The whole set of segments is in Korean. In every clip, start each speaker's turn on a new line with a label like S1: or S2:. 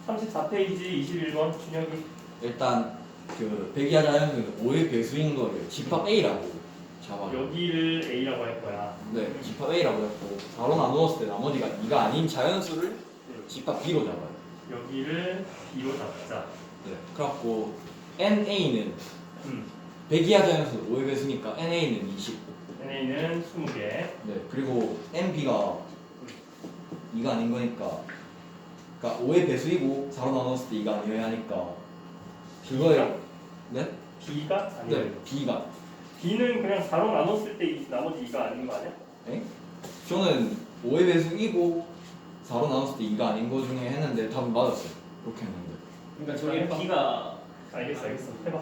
S1: 34페이지 21번 준혁이.
S2: 일단 그 백이하 자연수는 5의 배수인 거를 집합 A라고 잡아요.
S1: 여기를 A라고 할 거야.
S2: 네, 집합 A라고 했고 4로 나누었을 때 나머지가 2가 아닌 자연수를 집합 B로 잡아요.
S1: 여기를 B로 잡자.
S2: 네, 그래갖고 NA는
S1: 음.
S2: 백이하 자연수 5의 배수니까 NA는 20.
S1: NA는 20개.
S2: 네, 그리고 NB가 2가 아닌 거니까, 그러니까 5의 배수이고 4로 나눴을 때 2가 아니어야 하니까 그거에 네?
S1: B가 아니야.
S2: 네, B가.
S1: B는 그냥 4로 나눴을 때 나머지 2가 아닌 거 아니야?
S2: 에? 저는 5의 배수이고 4로 나눴을 때 2가 아닌 거 중에 했는데 답은 맞았어요. 그렇게 했는데.
S3: 그러니까 저기 B가
S1: 알겠어. 해봐.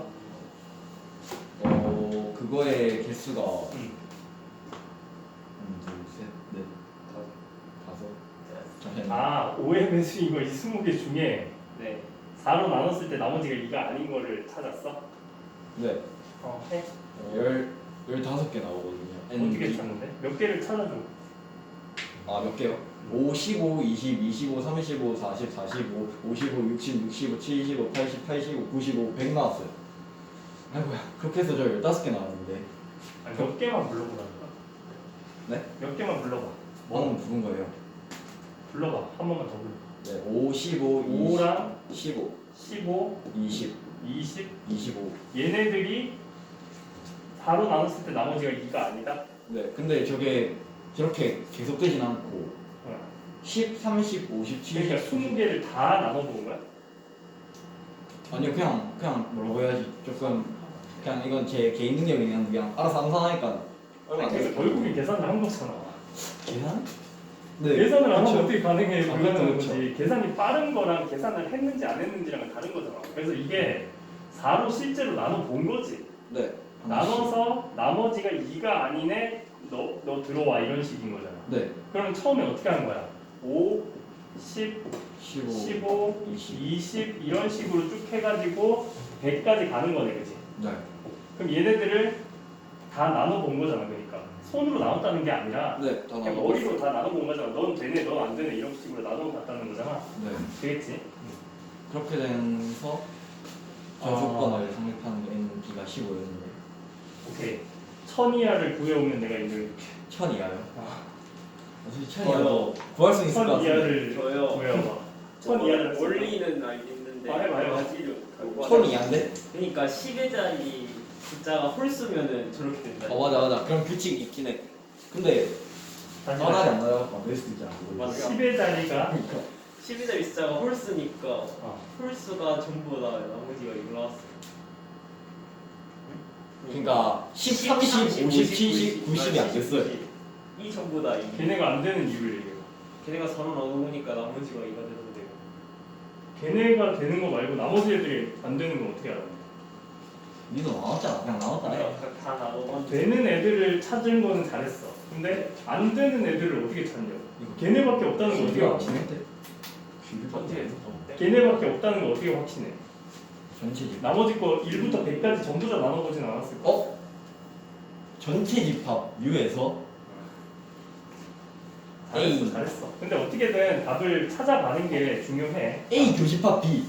S2: 그거의 개수가
S1: 음.
S2: 1, 2, 3, 4, 5. 잠시만요.
S1: 아, 5의 배수인 거 이 20개 중에
S3: 네
S1: 4로 나눴을 때 나머지가 2가 아닌 거를 찾았어?
S2: 네.
S1: 해.
S2: 15개 나오거든요.
S1: 어떻게 찾는데? 몇 개를 찾아줘.
S2: 아, 몇 개요? 5, 15, 20, 25, 35, 40, 45, 55, 60, 65, 75, 80, 85, 95, 100 나왔어요. 아이고야, 그렇게 해서 저 15개 나왔는데.
S1: 아니, 몇 개만 불러보라니까.
S2: 네?
S1: 몇 개만 불러봐.
S2: 뭐는 부른 거예요?
S1: 불러봐. 한 번만 더 불러.
S2: 네, 5, 15, 20,
S1: 5랑
S2: 15,
S1: 15,
S2: 20,
S1: 20
S2: 25.
S1: 얘네들이 4로 나눴을 때 나머지가 2가 아니다?
S2: 네, 근데 저게 저렇게 계속되진 않고
S1: 어.
S2: 10, 30, 50, 70.
S1: 그러니까 20개를 다 나눠본 거야?
S2: 아니요, 그냥 뭐라고 해야지. 조금 그냥 이건 제 개인 능력이 그냥 알아서 암산하니까 얼마 안
S1: 그래서
S2: 돼요.
S1: 결국엔 계산을 한 거잖아.
S2: 계산?
S1: 계산을 안 하면
S2: 그렇죠.
S1: 어떻게 가능해?
S2: 아,
S1: 불가능한
S2: 그렇죠.
S1: 거지. 계산이 빠른 거랑 계산을 했는지 안 했는지랑은 다른 거잖아. 그래서 이게 4로 실제로 나눠 본 거지.
S2: 네.
S1: 나눠서 나머지가 2가 아니네. 너 들어와 이런 식인 거잖아.
S2: 네.
S1: 그러면 처음에 어떻게 하는 거야? 5, 10,
S2: 15,
S1: 15,
S2: 20.
S1: 20 이런 식으로 쭉 해가지고 100까지 가는 거네, 그지?
S2: 네.
S1: 그럼 얘네들을 다 나눠 본 거잖아, 그러니까 손으로 나눴다는 게 아니라
S2: 네. 다
S1: 그냥
S2: 나눠.
S1: 머리로 다 나눠 본 거잖아. 넌 되네, 넌 안 되네 이런 식으로 나눠 봤다는 거잖아.
S2: 네.
S1: 되겠지?
S2: 그렇게 돼서 저
S1: 아.
S2: 조건을 성립하는 게 NB가 15였는데
S1: 오케이. 1000 이하를 구해오면 내가 이걸
S2: 1000 이하요?
S1: 아.
S2: 사실 1000 이하도 구할 수 있을 것
S1: 1000
S2: 같은데.
S1: 이하를
S3: 저요.
S1: 구해와봐. 1000 이하를
S3: 원리는 알겠는데
S1: 해봐요.
S3: 가지를
S2: 1000 이하인데?
S3: 그러니까 10의 자리 숫자가 홀수면은 저렇게 된다.
S2: 맞아. 그럼 규칙이 있긴 해. 근데
S1: 다시
S2: 떠나지 안 나가고 안 될 수도 있잖아. 그거.
S3: 맞아.
S1: 10의 자리가
S3: 10의 자리 숫자가 홀수니까
S1: 어.
S3: 홀수가 전부 다 나머지가 이거 나왔어.
S2: 그러니까 10, 30, 50, 70, 90이 안 됐어요.
S3: 이 전부 다 이.
S1: 걔네가 안 되는 이유를 얘기해.
S3: 걔네가 4로 나눠보니까 나머지가 2가 되던데요.
S1: 걔네가 되는 거 말고 나머지 애들이 안 되는 건 어떻게 알아?
S2: 니도 나왔잖아. 그냥 나왔다.
S3: 다 나눠봤는데
S1: 되는 애들을 찾은 거는 잘했어. 근데 안 되는 애들을 어떻게 찾냐? 걔네밖에 없다는 거 어떻게 확신해?
S3: 전체에서
S1: 걔네밖에 없다는 거 어떻게 확신해?
S2: 전체 집합.
S1: 나머지 거 1부터 100까지 전부 다 나눠보진 않았을 거야.
S2: 전체 집합 U에서
S1: 잘했어,
S2: A.
S1: 잘했어. 근데 어떻게든 답을 찾아가는 게 중요해.
S2: A 교집합 B.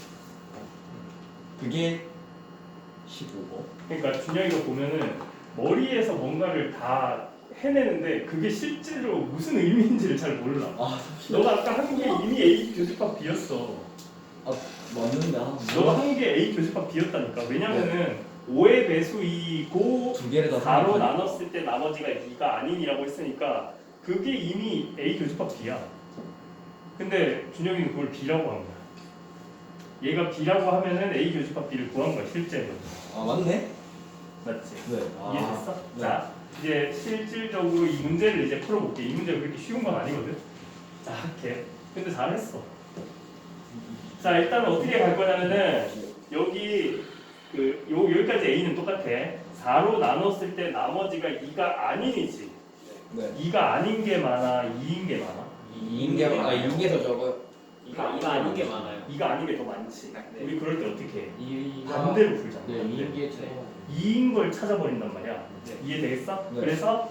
S2: 그게 15고.
S1: 그러니까 준영이가 보면은 머리에서 뭔가를 다 해내는데 그게 실제로 무슨 의미인지를 잘 몰라.
S2: 아,
S1: 너가 아까 한 게 이미 A 교집합 B였어.
S2: 맞는데
S1: 너가 한 게 A 교집합 B였다니까. 왜냐면은 5의 배수이고
S2: 두 개를 다
S1: 4로
S2: 생각하니까.
S1: 나눴을 때 나머지가 2가 아닌이라고 했으니까 그게 이미 A 교집합 B야. 근데 준영이는 그걸 B라고 한 거야. 얘가 B라고 하면은 A 교집합 B를 구한 거야 실제로.
S2: 아, 맞네.
S1: 맞지?
S2: 네.
S1: 이해됐어?
S2: 네.
S1: 자 이제 실질적으로 이 문제를 이제 풀어볼게. 이 문제가 그렇게 쉬운 건 아니거든. 자 이렇게. 근데 잘했어. 자 일단은 어떻게 갈 거냐면은 여기 여기까지 A는 똑같아. 4로 나눴을 때 나머지가 2가 아닌이지.
S2: 네.
S1: 2가 아닌 게 많아, 2인 게 많아.
S2: 2인 게 더 적어요.
S3: 이가 아닌 게 많아요.
S1: 2가 아닌 게 더 많지.
S3: 네.
S1: 우리 그럴 때 어떻게 해?
S4: 이가
S1: 반대로 풀잖아.
S4: 네,
S1: 반대로.
S4: 이게 최고.
S1: 2인 걸 찾아버린단 말이야.
S3: 네.
S1: 이해되겠어?
S2: 네.
S1: 그래서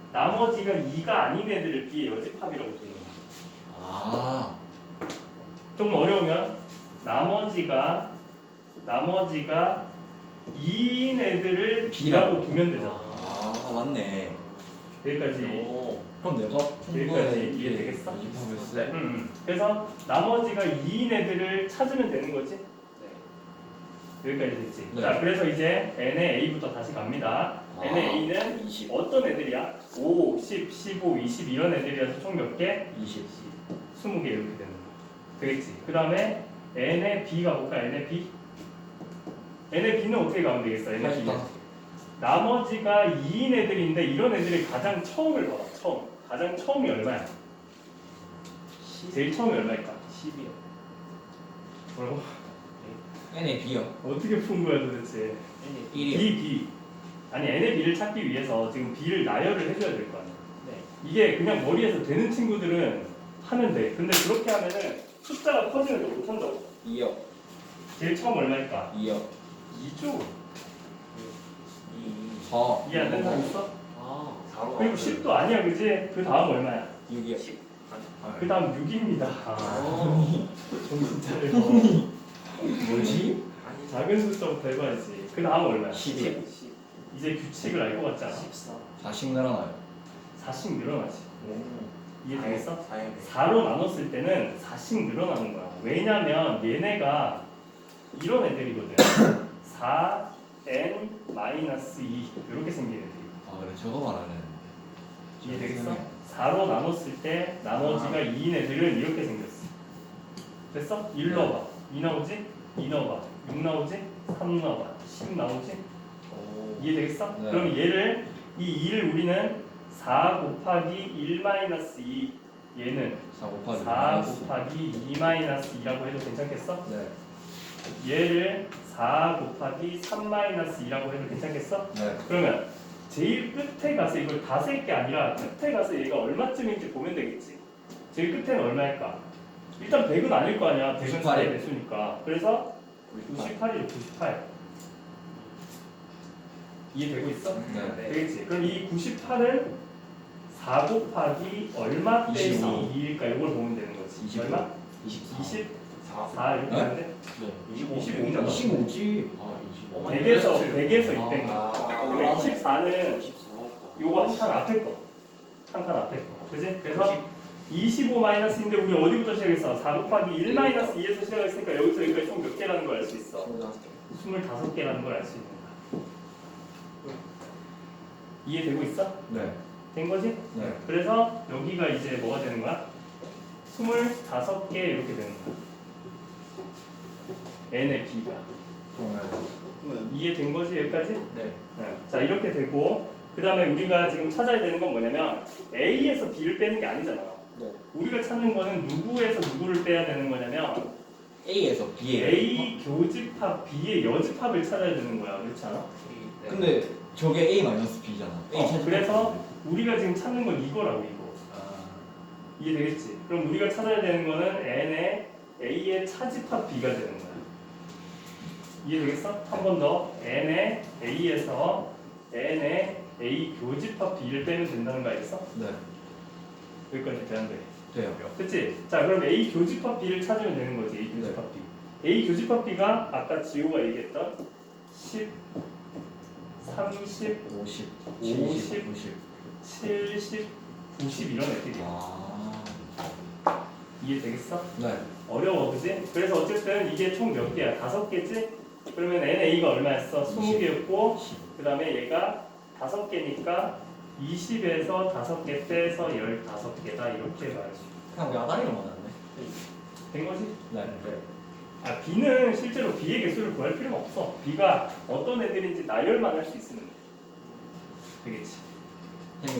S1: 나머지가 2가 아닌 애들을 B의 여집합이라고 부르는 거야.
S2: 아.
S1: 좀 어려우면 나머지가 2인 애들을 B라고 두면 되잖아.
S2: 아 맞네.
S1: 여기까지.
S3: 오.
S2: 그럼 내가
S1: 여기까지 이해되겠어?
S2: 이해하겠어?
S1: 그래서 나머지가 2인 애들을 찾으면 되는 거지.
S3: 네.
S1: 여기까지 됐지.
S2: 네.
S1: 자, 그래서 이제 n의 a부터 다시 갑니다. n의 a는
S2: 20.
S1: 어떤 애들이야? 5, 10, 15, 20 이런 애들이라서 총 몇 개?
S2: 20.
S1: 20개 이렇게 되는 거. 되겠지. 그 다음에 n의 b가 볼까? n의 b? n의 b는 어떻게 가면 되겠어? n의 b는
S2: 85.
S1: 나머지가 2인 애들인데 이런 애들이 가장 처음을 봐봐. 가장 처음이 얼마야? 제일 처음이 얼마일까?
S3: 10이요.
S1: 뭐라고?
S2: n의 b요.
S1: 어떻게 푼 거야 도대체?
S3: N이
S2: 1이요.
S1: b. 아니 n의 b를 찾기 위해서 지금 b를 나열을 해줘야 될 거 아니야.
S3: 네.
S1: 이게 그냥 머리에서 되는 친구들은 하면 돼. 근데 그렇게 하면은 숫자가 커지면 또 못한다고.
S2: 2요.
S1: 제일 처음 얼마일까?
S2: 2요.
S1: 2조.
S2: 4.
S1: 이해 안 되는 사람 있어?
S3: 아.
S1: 그리고 10도 아니야, 그지? 그 다음 얼마야?
S2: 6이요.
S3: 10.
S1: 그 다음 6입니다.
S3: 아.
S1: 정신 차리고.
S2: 뭐지?
S3: 아니.
S1: 작은 숫자부터 해봐야지. 그 다음 얼마야?
S2: 10이요.
S3: 10.
S1: 이제 규칙을 알 것 같잖아.
S3: 14.
S2: 4씩 늘어나요.
S1: 4씩 늘어나지. 이해되겠어?
S3: 4요.
S1: 4로 나눴을 때는 4씩 늘어나는 거야. 왜냐면 얘네가 이런 애들이거든. 4n-2 이렇게 생긴 애들이.
S2: 아 그래 저거 말하는.
S1: 이해되겠어? 4로 나눴을 때 나머지가 2인 애들은 이렇게 생겼어. 됐어? 1 넣어봐. 2 나오지? 2 넣어봐. 6 나오지? 3 넣어봐. 10 나오지?
S3: 오.
S1: 이해되겠어?
S2: 네.
S1: 그럼 얘를 이 2를 우리는 4 곱하기 1-2 얘는
S2: 4 곱하기
S1: 4 곱하기 2-2라고 해도 괜찮겠어?
S2: 네.
S1: 얘를 4 곱하기 3-2라고 해도 괜찮겠어?
S2: 네.
S1: 그러면 제일 끝에 가서 이걸 다 쓸 게 아니라 끝에 가서 얘가 얼마쯤인지 보면 되겠지. 제일 끝에는 얼마일까? 일단 100은 아닐 거 아니야. 100은
S2: 98.
S1: 4의 배수니까. 그래서 98이죠. 98. 이해되고 있어?
S2: 네.
S1: 되겠지. 그럼 이 98은 4 곱하기 얼마 빼기
S2: 25.
S1: 2일까? 이걸 보면 되는 거지.
S2: 25.
S1: 얼마?
S2: 24.
S1: 20?
S3: 4.
S1: 4 이렇게
S2: 네?
S1: 하는데? 25잖아.
S2: 25지.
S3: 아, 25.
S1: 100에서 200.
S3: 아.
S1: 그러니까 24는
S3: 24.
S1: 요거 한 칸 앞에 거. 한 칸 앞에 거. 그지? 그래서 25 마이너스인데 우리 어디부터 시작했어? 4 곱하기 1-2에서 시작했으니까 여기서 여기까지 총 몇 개라는 걸 알 수 있어? 25개라는 걸 알 수 있는 거야. 이해되고 있어?
S2: 네.
S1: 된 거지?
S2: 네.
S1: 그래서 여기가 이제 뭐가 되는 거야? 25개 이렇게 되는 거야. n의 b가. 이해된 거지 여기까지?
S3: 네.
S1: 네. 자 이렇게 되고 그 다음에 우리가 지금 찾아야 되는 건 뭐냐면 A에서 B를 빼는 게 아니잖아.
S3: 네.
S1: 우리가 찾는 거는 누구에서 누구를 빼야 되는 거냐면
S2: A에서 B에.
S1: A 교집합 B의 여집합을 찾아야 되는 거야. 그렇지 않아?
S3: 네.
S2: 근데 저게 A 마이너스 B잖아. A 찾을
S1: 그래서
S2: 때.
S1: 우리가 지금 찾는 건 이거라고 이거.
S2: 아.
S1: 이해되겠지? 그럼 우리가 찾아야 되는 거는 N의 A의 차집합 B가 되는 거야. 이해되겠어? 한 번 더 N의 A에서 N의 A 교집합 B를 빼면 된다는 거 알겠어?
S2: 네.
S1: 여기까지 되는데.
S2: 돼요.
S1: 그치? 자 그럼 A 교집합 B를 찾으면 되는 거지. A 교집합 B. A 교집합 B가 아까 지호가 얘기했던 10, 30,
S2: 50,
S1: 50,
S2: 90.
S1: 70, 90 이런 애들이야.
S2: 아.
S1: 이해되겠어?
S2: 네.
S1: 어려워 그지? 그래서 어쨌든 이게 총 몇 개야? 5개지? 그러면 NA가 얼마였어? 20개였고 그 다음에 얘가 5개니까 20에서 5개 빼서 15개다 이렇게 말할 수 있어.
S2: 그냥 야단이로 맞았네.
S1: 된 거지?
S2: 네.
S1: 아 B는 실제로 B의 개수를 구할 필요가 없어. B가 어떤 애들인지 나열만 할 수 있으면 돼. 되겠지?